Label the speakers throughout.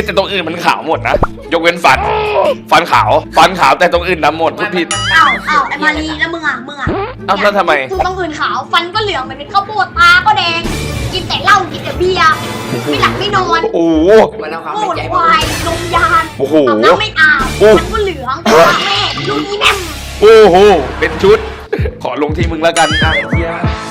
Speaker 1: แต่ตรงอื่นมันขาวหมดนะยกเว้นฟันขาวแต่ตรงอื่นดำหมดพูดผิด
Speaker 2: อ้าวไอ้มารีแล้วมึงอ่ะ
Speaker 1: แล้วทำไม
Speaker 2: ตรงอื่นขาวฟันก็เหลืองมันเป็นข้าวโพดตาก็แดงกินแต่เหล้ากินแต่เบียร์ไม่หลับไม่นอน
Speaker 1: โอ้โห
Speaker 2: พูดควายนมยานอาบน้ำไม่อาบมันก็เหลืองแม่ลูกนี้แม่
Speaker 1: โอ้โหเป็นชุดขอลงที่มึงแล้วกันไอ้เหี้ย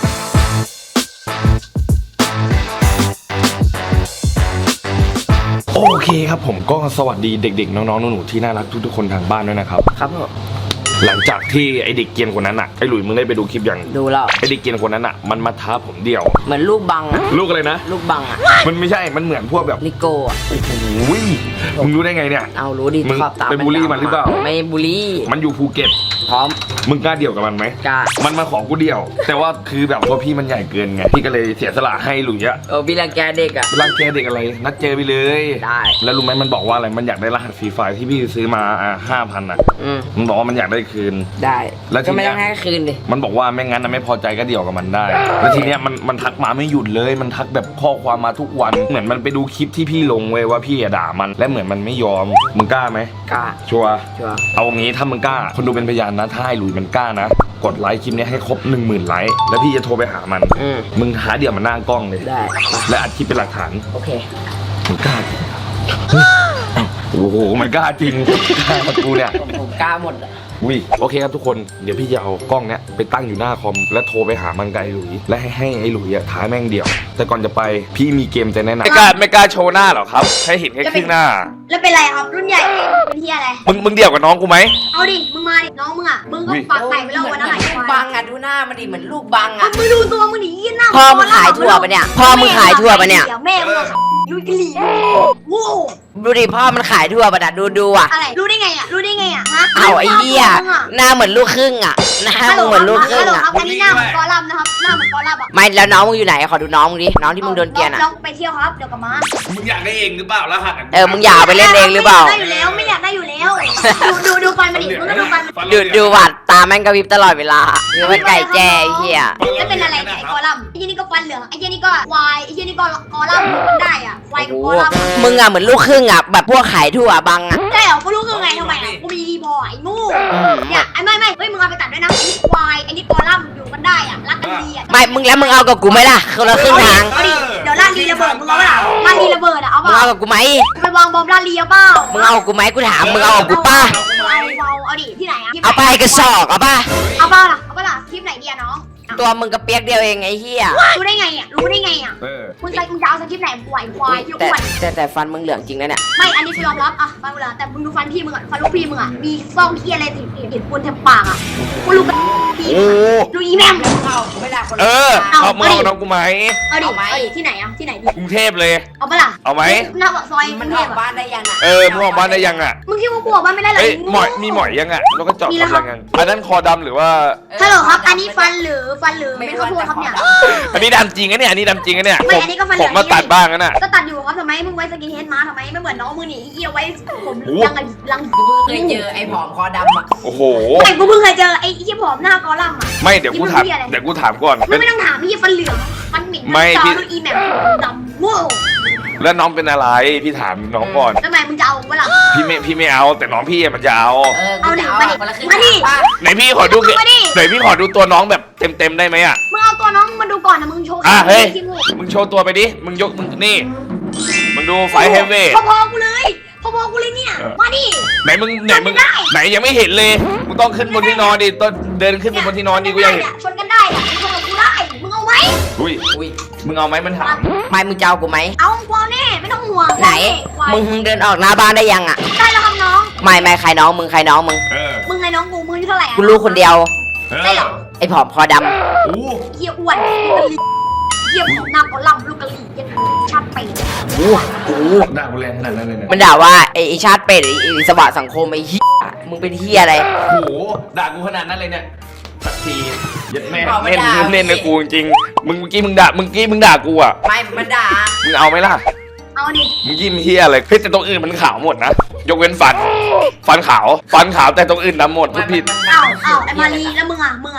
Speaker 1: โอเคครับผมก็สวัสดีเด็กๆน้องๆหนูๆที่น่ารักทุกๆคนทางบ้านด้วยนะครับ
Speaker 3: ครับผม
Speaker 1: หลังจากที่ไอเด็กเกรียนคนนั้นอ่ะไอหลุยมึงได้ไปดูคลิปยัง
Speaker 3: ดูแล้ว
Speaker 1: ไอเด็กเกรียนคนนั้นอ่ะมันมาท้าผมเดี่ยว
Speaker 3: เหมือนลูกบังอะ
Speaker 1: ลูกอะไรนะ
Speaker 3: ลูกบังอะ
Speaker 1: มันไม่ใช่มันเหมือนพวกแบบ
Speaker 3: ลิโก้อะ
Speaker 1: โอ้โหมึงรู้ได้ไงเนี่ย
Speaker 3: เอารู้ดิ
Speaker 1: มึงไปบูลลี่มันหรือเปล่า
Speaker 3: ไม่บูลลี่
Speaker 1: มันอยู่ภูเก็ต
Speaker 3: พร้อม
Speaker 1: มึงกล้าเดี่ยวกับมันไหม
Speaker 3: กล้า
Speaker 1: มันมาขอกูเดี่ยวแต่ว่าคือแบบตัวพี่มันใหญ่เกินไงพี่ก็เลยเสียสละให้หลุยอะ
Speaker 3: พี่รังแกเด็กอะ
Speaker 1: รังแกเด็กอะไรนัดเจอไปเลย
Speaker 3: ได้
Speaker 1: แล้วรู้ไหมมันบอกว่าอะไรมันอยากได้รหัสฟรีไฟล์ที่พี่ซื้อมา5,000อ่ะมันบอกว่ามันอยากได้คืน
Speaker 3: ได้
Speaker 1: แล้ว
Speaker 3: ก็ไม่ต้องให้คืนดิ
Speaker 1: มันบอกว่าไม่งั้นนะไม่พอใจก็เดี่ยวกับมันได้แล้วทีเนี้ยมันทักมาไม่หยุดเลยมันทักแบบข้อความมาทุกวันเหมือนมันไปดูคลิปที่พี่ลงเว้ยว่าพี่ด่ามันและเหมือนมันไม่ยอมมึงกล้าไหม
Speaker 3: กล้า
Speaker 1: ชัวร์เอางี้ถ้ามึงกล้าคนดูเป็นพยานนะถ้าให้หลุยมันกล้านะกดไลค์คลิปนี้ให้ครบ 10,000 ไลค์แล้วพี่จะโทรไปหามันมึงหาเดี่ยวมันหน้ากล้องเลย
Speaker 3: ได้
Speaker 1: และอัดคลิปเป็นหลักฐาน
Speaker 3: โอเค
Speaker 1: มึงกล้าโอ้โหมันกล้าจริงกล้ามากูเนี่ย
Speaker 3: ผมกล้าหมด
Speaker 1: โอเคครับทุกคนเดี๋ยวพี่จะเอากล้องเนี้ยไปตั้งอยู่หน้าคอมแล้วโทรไปหามันกับไอ้หลุยและให้ไอ้หลุยอะท้าแม่งเดี่ยวแต่ก่อนจะไปพี่มีเกมจะแนะนำไม่กล้าโชว์หน้าหรอครับให้เห็นแค่ครึ่งหน้า
Speaker 2: แล้วเป็นไรครับรุ่นใหญ่เป็นที่อะไร
Speaker 1: มึงเดี่ยวกับน้องกูไหม
Speaker 2: เอาดิมึงมาดิน้องมึงอ่ะมึงก็ปากไก่ไปแล้ววันนั้นไหน
Speaker 3: ลูกบังอะดูหน้ามันดิเหมือนลูกบังอะ
Speaker 2: มึงดูตัวมึงดิยี่หน้า
Speaker 3: พ่อมึงขายถั่วปะเนี่ยพ่อมึงขายถั่วปะเนี่ย
Speaker 2: แม่มึงยูกลีโว้
Speaker 3: ดูดิพ่อมันขายทั่วประดับดูอ่ะ
Speaker 2: อะไรรู้ได้ไงอ่ะฮะ
Speaker 3: เอาไอ้เหี้ยหน้าเหมือนลูกครึ่งอ่ะหน้าเหมือนลูกครึ่งอ่ะ
Speaker 2: อันนี้หน้าเหมือนกอลัมนะครับหน้าเหมือนกอลัมอ่ะ
Speaker 3: ไม่แล้วน้องมึงอยู่ไหนขอดูน้องมึงดิน้องที่มึงโดนเกลียนอ่ะ
Speaker 2: น้องไปเที่ยวครับเดี๋ยวกลับมา
Speaker 1: มึงอยากได้เองหรือเปล่าแล้วหั
Speaker 3: ดมึงอยากไปเล่นเองหรือเปล่า
Speaker 2: ได้อยู่แล้วไม่อยากได้อยู่แล้วดูฟันมาดิมึงก็ดูฟัน
Speaker 3: ดูวัดตาแม่งกระพริบตลอดเวลาคือมันไก่แจ้เหี้ย
Speaker 2: แล้วเป็นอะไรไอ้กอลัมไอ้ยี่นี่ก็ฟันเหลืองไอ้ยี่นี่ก็วายไอ้ยี่นี่ก็กอลัมมันได้อ่ะวายกับกอลัม
Speaker 3: มึงอ่ะเหมือนลูกครึ่งอ่ะแบบพวกขายทั่วบังอ่ะ
Speaker 2: ใช่เหรอกูรู้คือไงทำไมอ่ะกูมีดีพอไอ้งูเนี่ยไอ้ไม่เฮ้ยมึงเอาไปตัดด้วยนะไอ้นี่ควายไอ้นี่กอลัมอยู่กันได้อ่ะรักกันดีอ่ะ
Speaker 3: ไม่มึงแล้วมึงเอากับกูไหมล่ะคนละครึ่งทาง
Speaker 2: เดี๋ยวลาลีระเบิดมึงเอาเปล่าลาลีระเบิดอ่ะเอาเปล่า
Speaker 3: มึงเอากับกูไหม
Speaker 2: ไปวางบอมลาลีเอาเปล่า
Speaker 3: มึงเอากูไหมกูถามมึงเอากับกูป่ะ
Speaker 2: เอาดิที่ไหนอ่ะ
Speaker 3: เอาไปกระสอบเอาป่ะ
Speaker 2: เอาเปล่าล่ะคลิปไหนดีอ่ะน้อง
Speaker 3: ตัวมึงกระเปียกเดียวเองไอ้เหี้ย
Speaker 2: รู้ได้ไงอ่ะมึงจะเอาสคริปต์ไหนป่วยควายที่อ้วน
Speaker 3: แต่ฟันมึงเหลืองจริงนะเนี่ย
Speaker 2: ไม่อันนี้กูยอมรับอ่ะฟันมึงเหลืองแต่มึงดูฟันพี่มึงอ่ะฟันลูกพี่มึงอ่ะมีซ่องที่อะไรติดปูนเต็มปากอ่ะกูรู้กันพี่ดูอีแม่
Speaker 3: ไม่ได้คน
Speaker 1: เอามึงเอาน้องกูไหม
Speaker 2: เอาดิที่ไหนอ่ะที่ไหนดิ
Speaker 1: กรุงเทพเลย
Speaker 2: เอาปะล่ะ
Speaker 1: เอาไหม
Speaker 2: หน้าปากซอย
Speaker 3: มันออกบ้านได้ยังอ่ะ
Speaker 1: มึงออกบ้านได้ยังอ่ะ
Speaker 2: มึงคิดว่ากูออกบ้านไม่ได้หรอ
Speaker 1: มีหมอยยังอ่ะแล้วก็จอดรถยังอันนั้นคอดำหรือว่า
Speaker 2: ฮัลโหลครับอันนี้ฟันหรือไม่ข้าวโพดครับเนี่ย
Speaker 1: อันนี้ดำจริงนะเนี่ยอันนี้ดำจริงนะเนี่ย
Speaker 2: ไม่อันนี้ก็ฟันเหลือง
Speaker 1: ผมมาตัดบ้างนะ
Speaker 2: ก็ตัดอยู่ครับทำไมมึงไว้สกินเฮดมาทำไมไม่เหมือนน้องมึงนี่เอี้ยไว้ผมลัง
Speaker 3: เคยเจอไอ้ผอมคอดำอ่ะ
Speaker 1: โอ้โห
Speaker 2: ไอ้กูเพิ่งเคยเจอไอ้เอี้ยผอมหน้ากอลัมอ่ะ
Speaker 1: ไม่เดี๋ยวกูถามก่อน
Speaker 2: ไม่ต้องถามพี่ฟันเหลืองฟันหมิ่นจอดูอีแมปดำโง่
Speaker 1: แล้วน้องเป็นอะไรพี่ถามน้องก่อน
Speaker 2: ทำไมมึงจะเอาเมื่อไหร่
Speaker 1: พี่ไม่เอาแต่น้องพี่มันจะเอา
Speaker 2: ดิมาดิ
Speaker 1: ไหนพี่ขอดูไหนพี่ขอดูตัวน้องแบบเต็มได้ไหมอ่ะ
Speaker 2: มึงเอาตัวน้องมาดูก่อนนะมึงโชว์
Speaker 1: เฮ้ยมึงโชว์ตัวไปดิมึงยกมึงนี่มึงดูไฟเฮฟเว่
Speaker 2: พอกูเลยเนี่ยมาดิ
Speaker 1: ไหนยังไม่เห็นเลยมึงต้องขึ้นบนที่นอนดิต้องเดินขึ้นบนที่นอนดิกูยัง
Speaker 2: ชนกันได้อะชนกับกูได้มึงเอาไว้
Speaker 1: อุ้ยมึงเอาไหมมันถาม
Speaker 3: ไม่มึงจะเอากูไหม
Speaker 2: เอากูแน่ไม่ต้องห่วง
Speaker 3: ไหนมึงเดินออกหน้าบ้านได้ยังอ่ะ
Speaker 2: ได้แล้วครับน้อง
Speaker 3: ไม่ใครน้องมึงใครน้องมึง
Speaker 2: มึงไงน้องกูมึงเท่าไหร่
Speaker 3: กูรู้คนเดียว
Speaker 2: ได้หรอ
Speaker 3: ไอ้ผอมคอดำ
Speaker 2: เหี้ยอ้วนเหี้ยผอมหน้าก็ล่ำลูกกะหรี่ยังชัดไป
Speaker 1: ด่ากูแรงขนาดนั้นเลย
Speaker 3: มันด่าว่าไอ้ชาติเป็ดไอ้สวัสดิ์สังคมไอ้เหี้ยมึงเป็นเหี้ยอะไร
Speaker 1: โอ้โหด่ากูขนาดนั้นเลยเนี่ยสักทียัดแม่เล่นนะกูจริงมึงเมื่อกี้มึงด่ากูอ่ะ
Speaker 3: ไม่มันด่า
Speaker 1: มึงเอาไหมล่ะ
Speaker 2: เอาดิ
Speaker 1: มึงยิ้มเฮียอะไรแต่ตรงอื่นมันขาวหมดนะยกเว้นฟันขาวแต่ตรงอื่นดำหมดพูดผิด
Speaker 2: เอาไอ้มารีแล้วมึงอ่ะ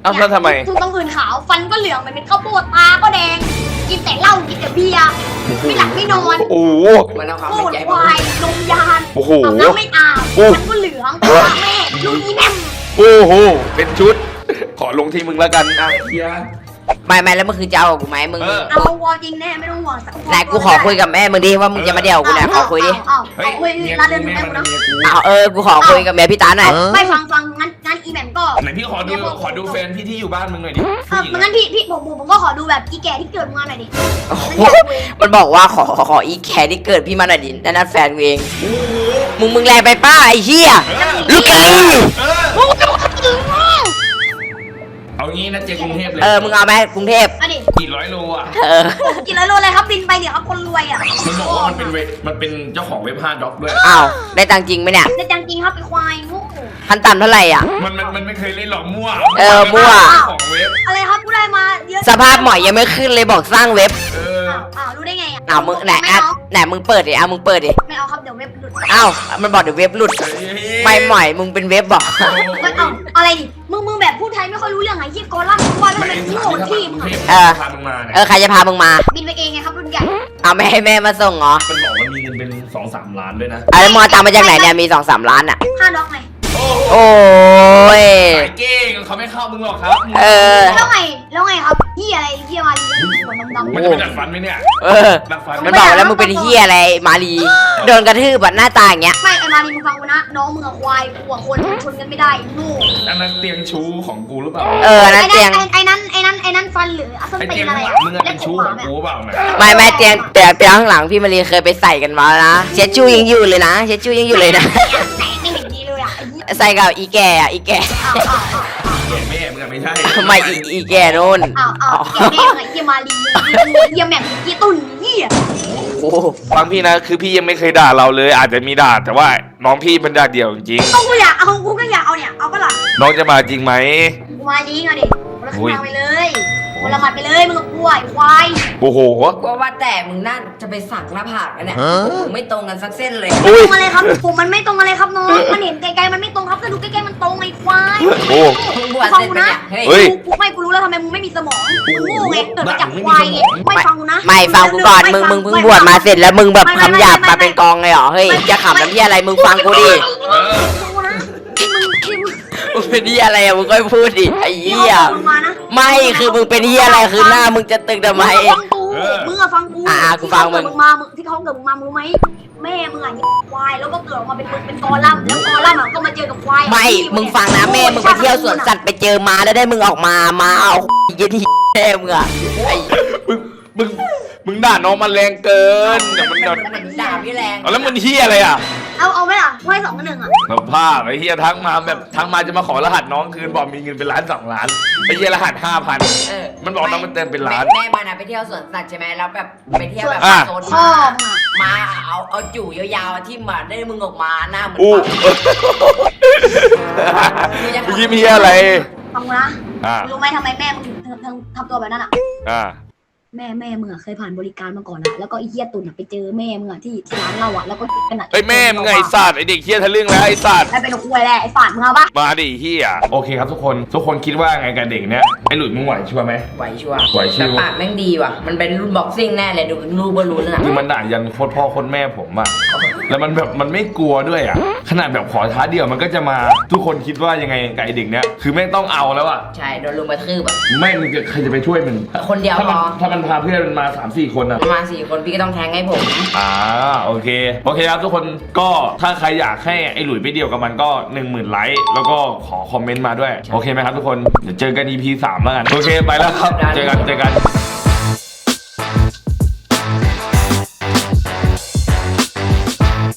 Speaker 1: เอ้าแล้วทำไม
Speaker 2: ทุกต้องอื่นขาวฟันก็เหลืองเหมือนเป็นข้าวโพดตาก็แดงกินแต่เหล้ากินแต่เบียร์ไม่หลับไม่นอน
Speaker 1: โอ้โห
Speaker 3: มันเอาความ
Speaker 2: โค
Speaker 3: เป็น
Speaker 2: ตร
Speaker 3: ใจ
Speaker 2: ควายนมยาน
Speaker 1: โอ้โห
Speaker 2: อาบน้ำไม่อาบ
Speaker 1: โอ้
Speaker 2: ฟันก็เหลืองตาแม่ลูกอีแม่ม
Speaker 1: โอ้โหเป็นชุด ขอลงที่มึงแล้วกันอ่ะเฮีย
Speaker 3: ไม่แล้วเมื่อคืนจะเอากับกูไหมมึง
Speaker 1: เออ
Speaker 2: เอาวอจริงแน่ไม่ต้องห่วงสัก
Speaker 3: ไหนกูขอคุยกับแม่มึงดิว่ามึงจะมาเดี่ยวกูเนี่ยขอคุยดิ
Speaker 2: เอา
Speaker 1: เฮ้ย
Speaker 2: คุย
Speaker 1: เมีย
Speaker 2: ร้าน
Speaker 1: กู
Speaker 2: เดิน
Speaker 1: แม่
Speaker 2: แม่
Speaker 1: มัน
Speaker 2: กูนะ
Speaker 1: เมียกู
Speaker 3: เอากูขอคุยกับแม่พี่ตาหน่อย
Speaker 2: ไม่ฟังงั้นอีแหม่มก็
Speaker 1: ไหนพี่ขอดูแฟนพี่ที่อยู่บ้านมึงหน่อยดิ
Speaker 2: งั้นพี่ผมก็ขอดูแบบอีแก่ที่เกิดมาหน่อยดิ
Speaker 3: โอ้โหมันบอกว่าขออีแคร์ที่เกิดพี่มาหน่อยดินั่นแฟนกูเองมึงแรงไปป้าไอ้เหี้ยลูกไก่
Speaker 1: เอางี้นะเจกรุงเทพเลย
Speaker 3: มึงเอาไหมกรุงเทพ
Speaker 2: อันนี้
Speaker 1: กี่ร้อยโลอ่ะ
Speaker 2: กินแล้วโลอะไรครับบินไปเดี๋ยวครับคนรวยอ่ะ
Speaker 1: มันบอกว่ามันเป็นเจ้าของเว็บ5ด็อกด้วย
Speaker 3: อ้าวได้ตังค์จริงไหมเนี่ย
Speaker 2: แต่จริงครับไอ้ควายงู
Speaker 3: ขั้นต่ำเท่าไหร่อ่ะ
Speaker 1: มันไม่เคยเล่นหรอกมั่ว
Speaker 3: มั่ว
Speaker 1: ของเว็บ
Speaker 2: อะไรครับกูได้มาเยอะ
Speaker 3: สภาพหมอยยังไม่ขึ้นเลยบอกสร้างเว็บ
Speaker 2: รู้ได้ไงอ่ะ
Speaker 3: อ้าวมึงไหน
Speaker 2: ไม่
Speaker 3: อ่ะ
Speaker 2: เอา
Speaker 3: ไหนมึงเปิดดิมึงเปิดดิ
Speaker 2: ไม่เอาครับเดี๋ยวเว็บหลุด
Speaker 3: อ้าวมันบอกเดี๋ยวเว็บหลุดไม่หมอยมึงเป็นเว็บบอก
Speaker 2: ไม่เอาอะไรดิมึงแบบพูดไทยไม่ค่อยรู้เรื่องไงยี่กอล่ำว่าแล้วมันโง่ที่
Speaker 1: พามึงมาเนี่ย
Speaker 3: ใครจะพามึงมา
Speaker 2: บินไปเองไงครับรุ่นใหญ่
Speaker 3: เอาไม่ให้แม่มาส่งเหรอ
Speaker 1: มันบอกมันมีเงินเป็น2-3 ล้านด้วยนะ
Speaker 3: แล้วมึงเอาตังค์มาจากไหนเนี่ยมี2-3 ล้านอ่ะ
Speaker 2: ค่าด็อกไง
Speaker 3: โอ้ย
Speaker 1: สายเก้งเขาไม่เข้ามึงหรอกครับ
Speaker 2: แล้วไงครับที่อะไรที่มาดีหัวดำ
Speaker 1: มันจะไปดัดฟันไหมเนี่ย ดัดฟัน
Speaker 3: มันบอกแล้วมึงเป็นเฮียอะไรมาลีโดนกระทืบแบบหน้าตาอย่างเงี้ย
Speaker 2: ไม่ไอ้มาดีมึงฟังกูนะน้องมึงควายกูคนชนกันไม่ได้งู
Speaker 1: อันนั้นเตียงชู้ของกูหรือเปล่า
Speaker 3: นั่นเตียง
Speaker 2: ไอ้นั้นฟันหรืออัศ
Speaker 1: ไอ
Speaker 2: ตี
Speaker 1: เตียง
Speaker 2: นอะไร
Speaker 1: ข้างหลังมึงอะเป็นชู้ของกูเปล่าเนี่ย
Speaker 3: ไม่เตียงข้างหลังพี่มารีเคยไปใส่กันมานะเช็ดชู้ยังอยู่เลยนะเช็ดชู้ยังอยู่เลยนะ
Speaker 2: แต่ไม่เห็นดีเลยอ่ะ
Speaker 3: ใส่กับอีแก่อะอีแก่
Speaker 1: แก่แม่มึงอะไม่ใช่
Speaker 3: ทำไมอีแก่นู่น
Speaker 2: แกแม่ไงเฮียมาลีเฮียแหม่มเฮียตุ่นเฮีย
Speaker 3: โอ้
Speaker 1: ฟังพี่นะคือพี่ยังไม่เคยด่าเราเลย อาจจะมีด่าแต่ว่าน้องพี่มันด่าเดี่ยวจริง
Speaker 2: กูอยากเอากูก็อยากเอาเนี่ยเอาก็หล่ะ
Speaker 1: น้องจะมาจริงไหม
Speaker 2: กูมาลีไงดิคนละครึ่งทางไปเลยคนละหมัดไปเลยมึงกับกูไอ้ควาย
Speaker 1: โอ้โห
Speaker 3: กว่าแต่มึงน่าจะไปสักหน้าผากกันเนี่ยมึงไม่ตรงกันสักเส้นเลย
Speaker 2: ตรงอะไรครับผมมันไม่ตรงอะไรครับน้องมันเห็นไกลๆมันไม่ตรงครับถ้าดูใกล้ๆมันตรงไอ้ควาย
Speaker 1: โอ้
Speaker 3: มึงบวช
Speaker 2: ฟัง
Speaker 3: เสร็จ
Speaker 2: กู
Speaker 3: ไป
Speaker 2: นะ
Speaker 3: เนี่ย
Speaker 1: เฮ้ย
Speaker 2: กูรู้แล้วทำไมมึงไม่มีสมองมึงโง่ไงเกิดมาจากควายไงไม่ฟังกูนะ
Speaker 3: ไม่ฟังกูก่อนมึงเพิ่งบวชมาเสร็จแล้วมึงแบบคำหยาบมาเป็นกองเลยเหรอเฮ้ยจะขำน้ำที่อะไรมึงฟังกูดิ
Speaker 2: ฟังกูนะที่มึง
Speaker 3: มึงเป็นที่อะไรอะมึงก็พูดดิไอ้เหี้ย
Speaker 2: มานะ
Speaker 3: ไม่คือมึงเป็นที่อะไรคือหน้ามึงจะตึงทำไม
Speaker 2: ฟังกูมึงอะฟังกู
Speaker 3: กูฟังมึง
Speaker 2: ที่เขาเกิดมึงมารู้ไหมแม่มึงอะควายแล้วก็เกิดออกมาเป็นมึงเป็นกอลัมแล้วกอลัมอะก็มาเจอกับควาย
Speaker 3: ไม่มึงฟังนะแม่มึงไปเที่ยวสวนสัตว์ไปเจอมาแล้วได้มึงออกมาเอายี่ที่แม่มึงอะไอ้
Speaker 1: มึงด่าน้องมันแรงเกินเดี๋ยวมันโดน
Speaker 3: ด่าพี่แรง
Speaker 1: เอาแล้วมันเฮียอะไรอ่ะ
Speaker 2: เอาไหมล่ะให้2 กับ 1อะ
Speaker 1: สภาพไอ้เฮียทักมาแบบทักมาจะมาขอรหัสน้องคืนบอกมีเงินเป็น1-2 ล้านไอ้เฮียรหัส5,000มันบอกน้องมันเติมเป็นล้าน
Speaker 3: แม่มานะไปเที่ยวสวนสัตว์ใช่ไหมแล้วแบบไปเที่ยวแบบ
Speaker 1: อ่ะ
Speaker 3: โซน
Speaker 2: พ่อมึงอะ
Speaker 3: มาเอาจู่ยาวๆที่มาได้มึงออกมาหน้าเหมือน
Speaker 1: อู้
Speaker 3: ปลา
Speaker 1: ยิ้มเฮียอะไร
Speaker 2: ฟังกูนะ
Speaker 1: อ่า
Speaker 2: รู้ไหมทำไมแม่มึงถึงทำตัวแบบนั้นอะ
Speaker 1: อ่า
Speaker 2: แม่มึงอะเคยผ่านบริการมาก่อนอะแล้วก็ไอ้เหี้ยตุ่นอะไปเจอแม่มึงอะที่ร้านเราอะแล้วก็กันอะ
Speaker 1: ไอ้แม่มึงไงไอ้สัตว์ไอ้เด็กเฮียทะลึ่งแล้วไอ้สัตว์
Speaker 2: แล้วเป็นคุยแหละไอ้ฝาดมึงเอาปะ
Speaker 1: มาดิเฮียโอเคครับทุกคนคิดว่าไงกับเด็กเนี้ยไอ้หลุยมึงไหวชัวร์ไหม
Speaker 3: ไหวชัวร์
Speaker 1: ไหวชิว
Speaker 3: แต่ปากแม่งดีว่ะมันเป็นรุ่นบ็อกซิ่งแน่เลยดูรูบอลลูนน่ะ
Speaker 1: คือมันด่ายันโคตรพ่อโคตรแม่ผมอะแล้วมันแบบมันไม่กลัวด้วยอะขนาดแบบขอท้าเดี่ยวมันก็จะมาทุกคนคิดว่ายังไงกับไอ้เด็กเนี้ยคือแม่งต้องเอาแล้วอะ
Speaker 3: ใช่โดนลุมกระทืบแบบ
Speaker 1: ไม่มึงจะใครจะไปช่วยมึง
Speaker 3: คนเดียว
Speaker 1: ถ้ามันพาเพื่อนมันมา 3-4 คนอะ
Speaker 3: ประมาณ4 คนพี่ก็ต้องแทงให้ผม
Speaker 1: โอเคครับทุกคนก็ถ้าใครอยากให้ไอ้หลุยไปเดี่ยวกับมันก็ 10,000 ไลค์แล้วก็ขอคอมเมนต์มาด้วยโอเคไหมครับทุกคนเดี๋ยวเจอกัน EP 3แล้วกันโอเคไปแล้วครับเจอกัน